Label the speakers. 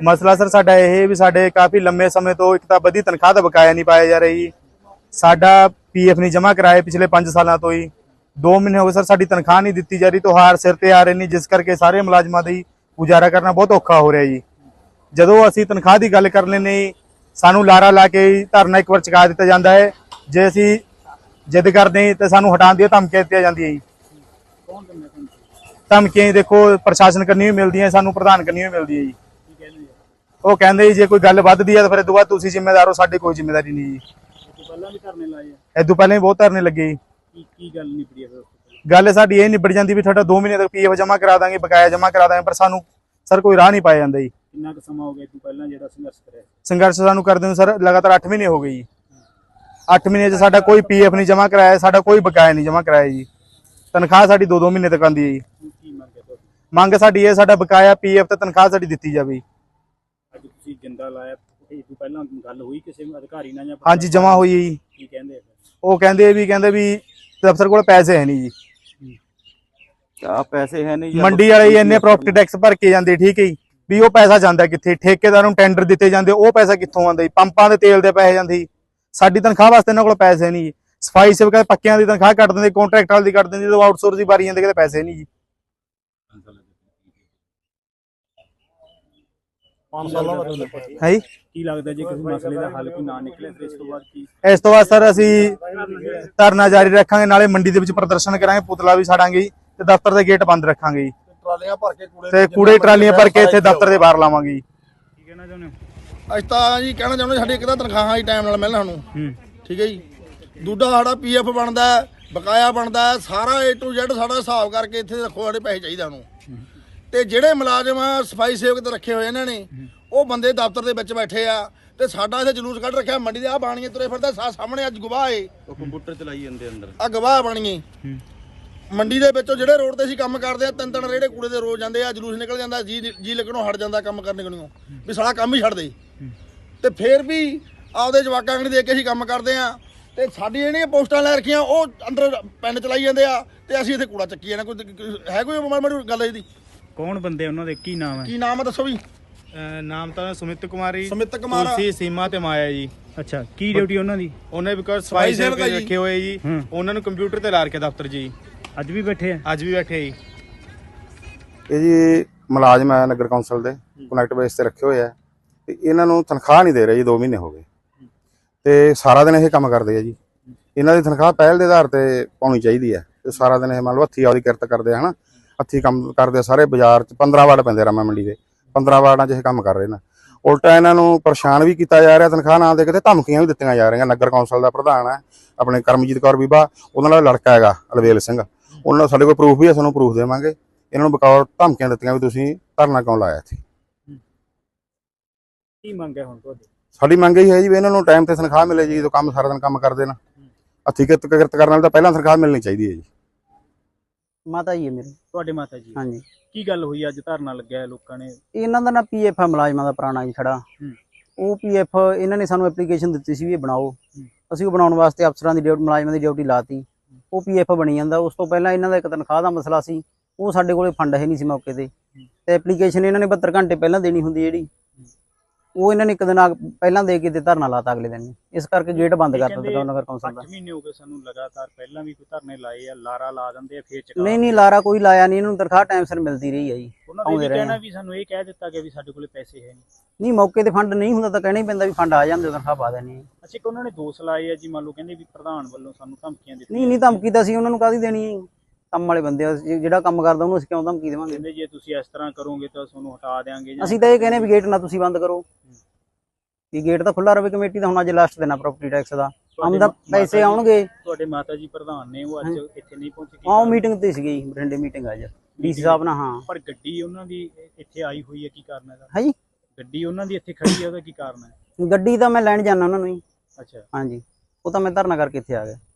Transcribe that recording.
Speaker 1: ਮਸਲਾ ਸਰ ਸਾਡਾ ਇਹ ਵੀ ਸਾਡੇ ਕਾਫੀ ਲੰਮੇ ਸਮੇਂ ਤੋਂ ਇੱਕ ਤਾਂ ਵਧੀ ਤਨਖਾਹ ਦਾ ਬਕਾਇਆ ਨਹੀਂ ਪਾਇਆ ਜਾ ਰਹੀ। ਸਾਡਾ ਪੀਐਫ ਨਹੀਂ ਜਮ੍ਹਾਂ ਕਰਾਏ ਪਿਛਲੇ 5 ਸਾਲਾਂ ਤੋਂ ਹੀ। 2 ਮਹੀਨੇ ਹੋ ਗਏ ਸਰ ਸਾਡੀ ਤਨਖਾਹ ਨਹੀਂ ਦਿੱਤੀ ਜਾ ਰਹੀ। ਤਿਉਹਾਰ ਸਿਰ ਤੇ ਆ ਰਹੇ ਨੇ, ਜਿਸ ਕਰਕੇ ਸਾਰੇ ਮੁਲਾਜ਼ਮਾਂ ਦੀ ਗੁਜ਼ਾਰਾ ਕਰਨਾ ਬਹੁਤ ਔਖਾ ਹੋ ਰਿਹਾ ਜੀ। ਜਦੋਂ ਅਸੀਂ ਤਨਖਾਹ ਦੀ ਗੱਲ ਕਰ ਲੈਂਦੇ ਜੀ, ਸਾਨੂੰ ਲਾਰਾ ਲਾ ਕੇ ਧਰਨਾ ਇੱਕ ਵਾਰ ਚੁਕਾ ਦਿੱਤਾ ਜਾਂਦਾ ਹੈ। ਜੇ ਅਸੀਂ ਜਿੱਦ ਕਰਦੇ ਤਾਂ ਸਾਨੂੰ ਹਟਾਉਣ ਦੀਆਂ ਧਮਕੀਆਂ ਦਿੱਤੀਆਂ ਜਾਂਦੀਆਂ ਜੀ। ਧਮਕੀਆਂ ਦੇਖੋ ਪ੍ਰਸ਼ਾਸਨ ਕਰਨੀ ਵੀ ਮਿਲਦੀਆਂ, ਸਾਨੂੰ ਪ੍ਰਧਾਨ ਕਰਨੀ ਵੀ ਮਿਲਦੀ ਹੈ ਜੀ। ਉਹ ਕਹਿੰਦੇ ਜੇ ਕੋਈ ਗੱਲ ਵੱਧਦੀ ਹੈ ਤਾਂ ਫਿਰ ਇਹ ਤੋਂ ਬਾਅਦ ਤੁਸੀਂ ਜ਼ਿੰਮੇਦਾਰ ਹੋ, ਸਾਡੀ ਕੋਈ ਜ਼ਿੰਮੇਵਾਰੀ ਨਹੀਂ ਜੀ। ਇਹ ਤੋਂ ਪਹਿਲਾਂ ਵੀ ਬਹੁਤ ਧਰਨੇ ਲੱਗੇ ਜੀ।
Speaker 2: ਕੀ ਗੱਲ ਨਿਬੜੀ ਹੈ?
Speaker 1: ਗੱਲ ਸਾਡੀ ਇਹ ਨਿਬੜ ਜਾਂਦੀ ਵੀ ਤੁਹਾਡਾ 2 ਮਹੀਨੇ ਤੱਕ ਪੀਐਫ ਜਮ੍ਹਾਂ ਕਰਾ ਦਾਂਗੇ, ਬਕਾਇਆ ਜਮ੍ਹਾਂ ਕਰਾ ਦਾਂਗੇ, ਪਰ ਸਾਨੂੰ ਸਰ ਕੋਈ ਰਾਹ ਨਹੀਂ ਪਾਇਆ ਜਾਂਦਾ ਜੀ।
Speaker 2: ਕਿੰਨਾ ਕੁ ਸਮਾਂ ਹੋ ਗਿਆ ਤੂੰ ਪਹਿਲਾਂ ਜਿਹੜਾ ਸੰਘਰਸ਼ ਕਰਿਆ?
Speaker 1: ਸੰਘਰਸ਼ ਸਾਨੂੰ ਕਰਦੇ ਨੂੰ ਸਰ ਲਗਾਤਾਰ 8 ਮਹੀਨੇ ਹੋ ਗਏ ਜੀ। 8 ਮਹੀਨੇ 'ਚ ਸਾਡਾ ਕੋਈ ਪੀਐਫ ਨਹੀਂ ਜਮ੍ਹਾਂ ਕਰਾਇਆ, ਸਾਡਾ ਕੋਈ ਬਕਾਇਆ ਨਹੀਂ ਜਮ੍ਹਾਂ ਕਰਾਇਆ ਜੀ। ਤਨਖਾਹ ਸਾਡੀ 2-2 ਮਹੀਨੇ ਤੱਕ ਆਉਂਦੀ ਹੈ ਜੀ।
Speaker 2: ਕੀ ਮੰਗ ਹੈ ਤੁਹਾਡੀ?
Speaker 1: ਮੰਗ ਸਾਡੀ ਇਹ ਸਾਡਾ ਬਕਾਇਆ ਪੀਐਫ ਤੇ ਤਨਖਾਹ ਸਾਡੀ ਦਿੱਤੀ ਜਾਵੇ।
Speaker 2: ਅੱਜ ਤੁਸੀਂ ਜਿੰਦਾ ਲਾਇਆ, ਇਹ ਤੋਂ ਪਹਿਲਾਂ ਗੱਲ ਹੋਈ ਕਿਸੇ ਅਧਿਕਾਰੀ ਨਾਲ ਜਾਂ?
Speaker 1: ਹਾਂਜੀ ਜਮ੍ਹਾਂ ਹੋਈ ਹੈ ਜੀ।
Speaker 2: ਕੀ ਕਹਿੰਦੇ?
Speaker 1: ਉਹ ਕਹਿੰਦੇ ਵੀ ਦਫ਼ਤਰ ਕੋਲ ਪੈਸੇ ਹੈ ਨਹੀਂ ਜੀ।
Speaker 3: ਪੈਸੇ ਹੈ ਨਹੀਂ,
Speaker 1: ਮੰਡੀ ਵਾਲੇ ਇੰਨੇ ਪ੍ਰੋਪਰਟੀ ਟੈਕਸ ਭਰ ਕੇ ਜਾਂਦੇ, ਠੀਕ ਹੈ ਜੀ, ਵੀ ਉਹ ਪੈਸਾ ਜਾਂਦਾ ਕਿੱਥੇ? ਠੇਕੇਦਾਰ ਨੂੰ ਟੈਂਡਰ ਦਿੱਤੇ ਜਾਂਦੇ, ਉਹ ਪੈਸਾ ਕਿੱਥੋਂ ਆਉਂਦਾ ਜੀ? ਪੰਪਾਂ ਦੇ ਤੇਲ ਦੇ ਪੈਸੇ ਜਾਂਦੇ ਜੀ। ਸਾਡੀ ਤਨਖਾਹ ਵਾਸਤੇ ਇਹਨਾਂ ਕੋਲ ਪੈਸੇ ਨਹੀਂ ਜੀ। ਸਫਾਈ ਸੇਵਕਾਂ ਪੱਕਿਆਂ ਦੀ ਤਨਖਾਹ ਕੱਟ ਦਿੰਦੇ, ਕੰਟਰੈਕਟ ਵਾਲੀ ਦੀ ਕੱਟ ਦਿੰਦੇ, ਜਦੋਂ ਆਊਟਸੋਰਸ ਦੀ ਵਾਰੀ ਜਾਂਦੇ ਕਿਤੇ ਪੈਸੇ ਨਹੀਂ ਜੀ।
Speaker 2: 5 ਸਾਲਾਂ ਬਾਅਦ
Speaker 1: ਹੈ ਜੀ।
Speaker 2: ਕੀ ਲੱਗਦਾ ਜੇ ਕਿਸੇ ਮਸਲੇ ਦਾ ਹੱਲ ਕੋਈ ਨਾ ਨਿਕਲੇ ਫਿਰ ਇਸ ਤੋਂ ਬਾਅਦ ਕੀ?
Speaker 1: ਇਸ ਤੋਂ ਬਾਅਦ ਸਰ ਅਸੀਂ ਧਰਨਾ ਜਾਰੀ ਰੱਖਾਂਗੇ, ਨਾਲੇ ਮੰਡੀ ਦੇ ਵਿੱਚ ਪ੍ਰਦਰਸ਼ਨ ਕਰਾਂਗੇ, ਪੁਤਲਾ ਵੀ ਸਾੜਾਂਗੇ ਜੀ, ਤੇ ਦਫ਼ਤਰ ਦੇ ਗੇਟ ਬੰਦ ਰੱਖਾਂਗੇ ਜੀ,
Speaker 4: ਟਰਾਲੀਆਂ ਭਰ ਕੇ
Speaker 1: ਤੇ ਕੂੜੇ ਟਰਾਲੀਆਂ ਭਰ ਕੇ ਇੱਥੇ ਦਫ਼ਤਰ ਦੇ ਬਾਹਰ ਲਾਵਾਂਗੇ ਜੀ।
Speaker 2: ਕੀ ਕਹਿਣਾ ਚਾਹੁੰਦੇ ਹੋ?
Speaker 4: ਅਸੀਂ ਤਾਂ ਜੀ ਕਹਿਣਾ ਚਾਹੁੰਦੇ ਸਾਡੀ ਇੱਕ ਤਾਂ ਤਨਖਾਹਾਂ ਹੀ ਟਾਈਮ ਨਾਲ ਮਿਲਣ ਸਾਨੂੰ, ਠੀਕ ਹੈ ਜੀ। ਦੂਜਾ ਸਾਡਾ ਪੀਐਫ ਬਣਦਾ, ਬਕਾਇਆ ਬਣਦਾ, ਸਾਰਾ A to Z ਸਾਡਾ ਹਿਸਾਬ ਕਰਕੇ ਇੱਥੇ ਰੱਖੋ, ਸਾਡੇ ਪੈਸੇ ਚਾਹੀਦੇ ਸਾਨੂੰ। ਤੇ ਜਿਹੜੇ ਮੁਲਾਜ਼ਮ ਸਫਾਈ ਸੇਵਕ ਤੇ ਰੱਖੇ ਹੋਏ ਇਹਨਾਂ ਨੇ, ਉਹ ਬੰਦੇ ਦਫ਼ਤਰ ਦੇ ਵਿੱਚ ਬੈਠੇ ਆ, ਤੇ ਸਾਡਾ ਇੱਥੇ ਜਲੂਸ ਕੱਢ ਰੱਖਿਆ ਮੰਡੀ ਦੇ। ਆ ਬਾਣੀਏ ਤੁਰੇ ਫਿਰਦਾ ਸਾਹਮਣੇ, ਅੱਜ ਗਵਾਹ ਏ,
Speaker 3: ਉਹ ਕੰਪਿਊਟਰ ਚਲਾਈ ਜਾਂਦੇ ਅੰਦਰ।
Speaker 4: ਆ ਗਵਾਹ ਬਾਣੀਏ ਮੰਡੀ ਦੇ ਵਿੱਚੋਂ ਜਿਹੜੇ ਰੋਡ ਤੇ ਅਸੀਂ ਕੰਮ ਕਰਦੇ ਆ, 3-3 ਰੇੜੇ ਕੂੜੇ ਦੇ ਰੋਜ਼ ਜਾਂਦੇ ਆ, ਜਲੂਸ ਨਿਕਲ ਜਾਂਦਾ, ਜੀ ਲੱਗਣੋਂ ਹਟ ਜਾਂਦਾ ਕੰਮ ਕਰਨੇ ਕੋਲੋਂ, ਵੀ ਸਾਲਾ ਕੰਮ ਹੀ ਛੱਡ ਦੇ। ਤੇ ਫੇਰ ਵੀ ਆਪਦੇ ਜਵਾਕਾਂ ਨੂੰ ਦੇਖ ਕੇ ਅਸੀਂ ਕੰਮ ਕਰਦੇ ਆ, ਤੇ ਸਾਡੀ ਜਿਹੜੀਆਂ ਪੋਸਟਾਂ ਲੈ ਰੱਖੀਆਂ ਉਹ ਅੰਦਰ ਪੈਨ ਚਲਾਈ ਜਾਂਦੇ ਆ, ਤੇ ਅਸੀਂ ਇੱਥੇ ਕੂੜਾ ਚੱਕੀ ਜਾਂਦੇ। ਕੋਈ ਹੈ ਕੋਈ ਮਾੜੀ ਗੱਲ ਇਹਦੀ?
Speaker 2: ਕੌਣ ਬੰਦੇ ਉਹਨਾਂ ਦੇ, ਕੀ ਨਾਮ ਹੈ?
Speaker 4: ਕੀ ਨਾਮ ਹੈ ਦੱਸੋ ਵੀ?
Speaker 1: ਨਾਮ ਤਾਂ ਸੁਮਿਤ ਕੁਮਾਰੀ,
Speaker 4: ਸੁਮਿਤ ਕੁਮਾਰ,
Speaker 1: ਤੁਲਸੀ, ਸੀਮਾ ਤੇ ਮਾਇਆ ਜੀ।
Speaker 2: ਅੱਛਾ, ਕੀ ਡਿਊਟੀ ਉਹਨਾਂ ਦੀ?
Speaker 1: ਉਹਨੇ ਬਿਕੋਜ਼ ਸਫਾਈ ਸੇਵਕ ਰੱਖੇ ਹੋਏ ਜੀ, ਉਹਨਾਂ ਨੂੰ ਕੰਪਿਊਟਰ ਤੇ ਲਾ ਰੱਖਿਆ ਦਫ਼ਤਰ ਜੀ।
Speaker 2: ਅੱਜ ਵੀ ਬੈਠੇ ਆ?
Speaker 1: ਅੱਜ ਵੀ ਬੈਠੇ ਜੀ।
Speaker 5: ਇਹ ਜੀ ਮੁਲਾਜ਼ਮ ਹੈ ਨਗਰ ਕੌਂਸਲ ਦੇ, ਕਨੈਕਟ ਬੇਸ ਤੇ ਰੱਖੇ ਹੋਏ ਆ, ਤੇ ਇਹਨਾਂ ਨੂੰ ਤਨਖਾਹ ਨਹੀਂ ਦੇ ਰਹੇ ਜੀ। 2 ਮਹੀਨੇ ਹੋ ਗਏ ਤੇ ਸਾਰਾ ਦਿਨ ਇਹ ਕੰਮ ਕਰਦੇ ਆ ਜੀ। ਇਹਨਾਂ ਦੀ ਤਨਖਾਹ ਪਹਿਲ ਦੇ ਆਧਾਰ ਤੇ ਪਾਉਣੀ ਚਾਹੀਦੀ ਹੈ, ਤੇ ਸਾਰਾ ਦਿਨ ਇਹ ਮੰਨ ਲਓ ਹੱਥੀ ਆਪਦੀ ਕਿਰਤ ਕਰਦੇ ਆ, ਹਨਾ, ਹੱਥੀ ਕੰਮ ਕਰਦੇ ਆ। ਸਾਰੇ ਬਾਜ਼ਾਰ 'ਚ 15 ਵਾਰਡ ਪੈਂਦੇ ਰਾਮਾ ਮੰਡੀ ਦੇ, 15 ਵਾਰਡਾਂ 'ਚ ਇਹ ਕੰਮ ਕਰ ਰਹੇ ਨੇ। ਉਲਟਾ ਇਹਨਾਂ ਨੂੰ ਪਰੇਸ਼ਾਨ ਵੀ ਕੀਤਾ ਜਾ ਰਿਹਾ, ਤਨਖਾਹ ਨਾ ਦੇ ਕੇ, ਤੇ ਧਮਕੀਆਂ ਵੀ ਦਿੱਤੀਆਂ ਜਾ ਰਹੀਆਂ। ਨਗਰ ਕੌਂਸਲ ਦਾ ਪ੍ਰਧਾਨ ਹੈ ਆਪਣੇ ਕਰਮਜੀਤ ਕੌਰ ਬੀਬਾ, ਉਹਨਾਂ ਦਾ ਲੜਕਾ ਹੈਗਾ ਅਲਵੇਲ ਸਿੰਘ, ਉਹਨਾਂ ਨਾਲ ਸਾਡੇ ਕੋਲ ਪ੍ਰੂਫ ਵੀ ਹੈ, ਸਾਨੂੰ ਪ੍ਰੂਫ ਦੇਵਾਂਗੇ। ਇਹਨਾਂ ਨੂੰ ਬਕੌਰ ਧਮਕੀਆਂ ਦਿੱਤੀਆਂ ਵੀ ਤੁਸੀਂ ਧਰਨਾ ਕਿਉਂ ਲਾਇਆ ਇੱਥੇ।
Speaker 2: ਕੀ ਮੰਗ ਹੈ ਹੁਣ ਤੁਹਾਡੀ?
Speaker 5: ਸਾਡੀ ਮੰਗ ਇਹ ਹੈ ਜੀ ਵੀ ਇਹਨਾਂ ਨੂੰ ਟਾਈਮ ਤੇ ਤਨਖਾਹ ਮਿਲੇ ਜੀ। ਜਦੋਂ ਕੰਮ ਸਾਰਾ ਦਿਨ ਕੰਮ ਕਰਦੇ ਨਾ, ਹੱਥੀਂ ਕਿਰਤ ਕਰਨ ਵਾਲੇ ਤਾਂ ਪਹਿਲਾਂ ਤਨਖਾਹ ਮਿਲਣੀ ਚਾਹੀਦੀ ਹੈ ਜੀ।
Speaker 6: ਮਾਤਾ ਜੀ ਹੈ ਮੇਰੇ।
Speaker 2: ਤੁਹਾਡੇ ਮਾਤਾ ਜੀ?
Speaker 6: ਹਾਂਜੀ।
Speaker 2: ਕੀ ਗੱਲ ਹੋਈ ਅੱਜ ਧਰਨਾ ਲੱਗਿਆ ਹੈ ਲੋਕਾਂ ਨੇ?
Speaker 6: ਇਹਨਾਂ ਦਾ ਨਾ ਪੀਐਫ ਹੈ ਮੁਲਾਜ਼ਮਾਂ ਦਾ ਪੁਰਾਣਾ ਜੀ ਖੜਾ। ਉਹ ਪੀਐਫ ਇਹਨਾਂ ਨੇ ਸਾਨੂੰ ਐਪਲੀਕੇਸ਼ਨ ਦਿੱਤੀ ਸੀ ਵੀ ਇਹ ਬਣਾਓ, ਅਸੀਂ ਉਹ ਬਣਾਉਣ ਵਾਸਤੇ ਅਫਸਰਾਂ ਦੀ ਡਿਊਟੀ, ਮੁਲਾਜ਼ਮਾਂ ਦੀ ਡਿਊਟੀ ਲਾਤੀ। ਉਹ ਪੀਐਫ ਬਣੀ ਜਾਂਦਾ। ਉਸ ਤੋਂ ਪਹਿਲਾਂ ਇਹਨਾਂ ਦਾ ਇੱਕ ਤਨਖਾਹ ਦਾ ਮਸਲਾ ਸੀ, ਉਹ ਸਾਡੇ ਕੋਲੇ ਫੰਡ ਹੈ ਨਹੀਂ ਸੀ ਮੌਕੇ ਤੇ ਐਪਲੀਕੇਸ਼ਨ ਇਹਨਾਂ ਨੇ 72 ਘੰਟੇ ਪਹਿਲਾਂ ਦੇਣੀ ਹੁੰਦੀ ਜਿਹੜੀ, ਉਹ ਇਹਨਾਂ ਨੇ ਇੱਕ ਦਿਨ ਪਹਿਲਾਂ ਦੇ ਕੇ ਤੇ ਧਰਨਾ ਲਾਤਾ ਅਗਲੇ ਦਿਨ। ਇਸ ਕਰਕੇ ਗੇਟ ਬੰਦ ਕਰ ਦਿੱਤਾ ਨਗਰ ਕੌਂਸਲ ਦਾ।
Speaker 2: 8 ਮਹੀਨੇ ਹੋ ਗਏ ਸਾਨੂੰ ਲਗਾਤਾਰ, ਪਹਿਲਾਂ ਵੀ ਕੋਈ ਧਰਨੇ ਲਾਏ ਆ, ਲਾਰਾ ਲਾ ਦਿੰਦੇ ਆ, ਫੇਰ ਚਕਾ।
Speaker 6: ਨਹੀਂ ਲਾਰਾ ਕੋਈ ਲਾਇਆ ਨਹੀਂ, ਇਹਨਾਂ ਨੂੰ ਤਨਖਾਹ ਟਾਈਮ ਸਿਰ ਮਿਲਦੀ ਰਹੀ ਹੈ ਜੀ।
Speaker 2: ਉਹਨਾਂ ਨੇ ਕਹਿਣਾ ਵੀ ਸਾਨੂੰ ਇਹ ਕਹਿ ਦਿੱਤਾ ਗਿਆ ਵੀ ਸਾਡੇ ਕੋਲੇ ਪੈਸੇ ਹੈ
Speaker 6: ਨਹੀਂ, ਮੌਕੇ ਤੇ ਫੰਡ ਨਹੀਂ ਹੁੰਦਾ ਤਾਂ ਕਹਿਣਾ ਹੀ ਪੈਂਦਾ ਵੀ ਫੰਡ ਆ ਜਾਂਦੇ, ਤਨਖਾਹ ਪਾ ਦੇਣੀ।
Speaker 2: ਅੱਛਾ, ਕਿ ਉਹਨਾਂ ਨੇ ਦੋਸ਼ ਲਾਏ ਆ ਜੀ, ਮੰਨ ਲਓ ਕਹਿੰਦੇ ਵੀ ਪ੍ਰਧਾਨ ਵੱਲੋਂ ਸਾਨੂੰ ਧਮਕੀਆਂ ਦਿੱਤੀਆਂ।
Speaker 6: ਨਹੀਂ ਧਮਕੀ ਤਾਂ ਅਸੀਂ ਉਹਨਾਂ ਨੂੰ ਕਾਹਦੀ ਦੇਣੀ ਹੈ? ਕੰਮ ਵਾਲੇ ਬੰਦੇ ਆ, ਜਿਹੜਾ ਕੰਮ ਕਰਦਾ ਉਹਨੂੰ ਅਸੀਂ ਕਿਉਂ ਧਮਕੀ ਦੇਵਾਂਗੇ?
Speaker 2: ਕਹਿੰਦੇ ਜੇ ਤੁਸੀਂ ਇਸ ਤਰ੍ਹਾਂ ਕਰੋਗੇ ਤਾਂ ਤੁਹਾਨੂੰ ਹਟਾ ਦੇਵਾਂਗੇ।
Speaker 6: ਅਸੀਂ ਤਾਂ ਇਹ ਕਹਿੰਦੇ ਵੀ ਗੇਟ ਨਾ ਤੁਸੀਂ ਬੰਦ ਕਰੋ, ਵੀ ਗੇਟ ਤਾਂ ਖੁੱਲਾ ਰਹੇ ਕਮੇਟੀ ਦਾ। ਹੁਣ ਅੱਜ ਲਾਸਟ ਦਿਨ ਆ ਪ੍ਰਾਪਰਟੀ ਟੈਕਸ ਦਾ, ਆਮਦਾ ਪੈਸੇ ਆਉਣਗੇ।
Speaker 2: ਤੁਹਾਡੇ ਮਾਤਾ ਜੀ ਪ੍ਰਧਾਨ ਨੇ, ਉਹ ਅੱਜ ਇੱਥੇ ਨਹੀਂ ਪਹੁੰਚੇ?
Speaker 6: ਹਾਂ, ਉਹ ਮੀਟਿੰਗ ਤੇ ਸੀਗੀ, ਬਠਿੰਡੇ ਮੀਟਿੰਗ ਅੱਜ ਡੀਸੀ ਸਾਹਿਬ ਨਾਲ। ਹਾਂ,
Speaker 2: ਪਰ ਗੱਡੀ ਉਹਨਾਂ ਦੀ ਇੱਥੇ ਆਈ ਹੋਈ ਹੈ, ਕੀ ਕਾਰਨ ਹੈ?
Speaker 6: ਹਾਂਜੀ,
Speaker 2: ਗੱਡੀ ਉਹਨਾਂ ਦੀ ਇੱਥੇ ਖੜੀ ਹੈ, ਉਹਦਾ ਕੀ ਕਾਰਨ ਹੈ?
Speaker 6: ਗੱਡੀ ਤਾਂ ਮੈਂ ਲੈਣ ਜਾਣਾ ਉਹਨਾਂ ਨੂੰ ਹੀ।
Speaker 2: ਅੱਛਾ,
Speaker 6: ਹਾਂਜੀ, ਉਹ ਤਾਂ ਮੈਂ ਧਰਨਾ ਕਰਕੇ ਇੱਥੇ ਆ ਗਿਆ।